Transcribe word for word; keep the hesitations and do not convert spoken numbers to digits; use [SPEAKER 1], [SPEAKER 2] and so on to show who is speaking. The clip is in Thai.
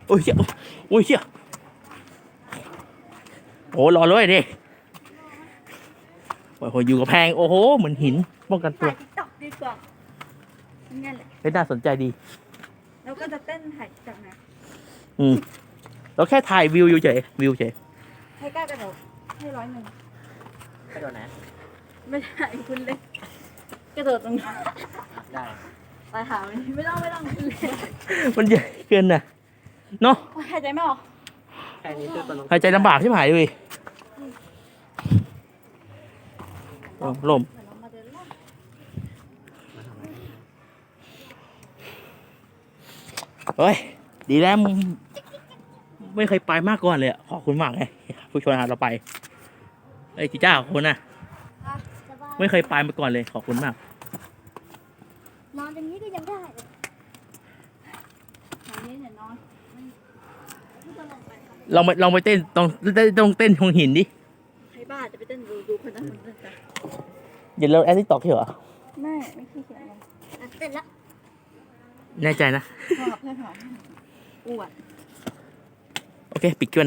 [SPEAKER 1] โอ้ยเชี่ยโอ้ยเชี่ยโอ้รอเลยดิโอ้โหอยู่กับแพงโอ้โหเหมือนหินป้องกันตัว
[SPEAKER 2] ถ่ายติ๊กต็อกดีกว่างั้นแหละ
[SPEAKER 1] เฮ้ยน่าสนใจดี
[SPEAKER 2] แล้วก็จะเต้นถ่ายจากไหน
[SPEAKER 1] อืมเราแค่ถ่ายวิวอยู่เฉยวิวเฉย
[SPEAKER 2] ให้กล้ากระโดดให้ร้อยหนึ่ง
[SPEAKER 1] กระโดดนะ
[SPEAKER 2] ไม่ได้คุณเล็กกระโดดตรงนี้
[SPEAKER 1] ได้
[SPEAKER 2] ไปหามันไม่ต้องไม่ต้องคุณเล็ก
[SPEAKER 1] มันใหญ่เกินนะเนาะ
[SPEAKER 2] หายใจไม่ออก
[SPEAKER 3] แค่นี้คือตลก
[SPEAKER 1] หายใจลำบากใช่ไหมเลยลมลม
[SPEAKER 2] เดี๋ยวเรามาเดินเล่น
[SPEAKER 1] เฮ้ยดีแล้วมึงไม่เคยไปมาก่อนเลยอะขอบคุณมากเลยผู้ชวนหาเราไปเอ้ยจีจ้าขอบคุณนะ
[SPEAKER 2] อ่ะสบาย
[SPEAKER 1] ไม่เคยไปมาก่อนเลยขอบคุณมาก
[SPEAKER 2] นอนอย่างนี้ก็ยังได้เลยอย่างนี้เนี่ยนอนมันไม่ต้องลงไปค่ะ
[SPEAKER 1] ลองไปลองไปเต้นตรงต้องเต้นตรงหินดิ
[SPEAKER 2] ใครบ้าจะไปเต้นดูดูคนนั้นคนนั้นจ้ะ
[SPEAKER 1] อย่าเราแอดทิกตอกเหรอ
[SPEAKER 2] ไม่ไม่ขี้เกียจลงอ่ะเต้นละ
[SPEAKER 1] แน่ใจนะ
[SPEAKER 2] พอกับเพื่อนหอมอวด
[SPEAKER 1] โอเคปิดเกม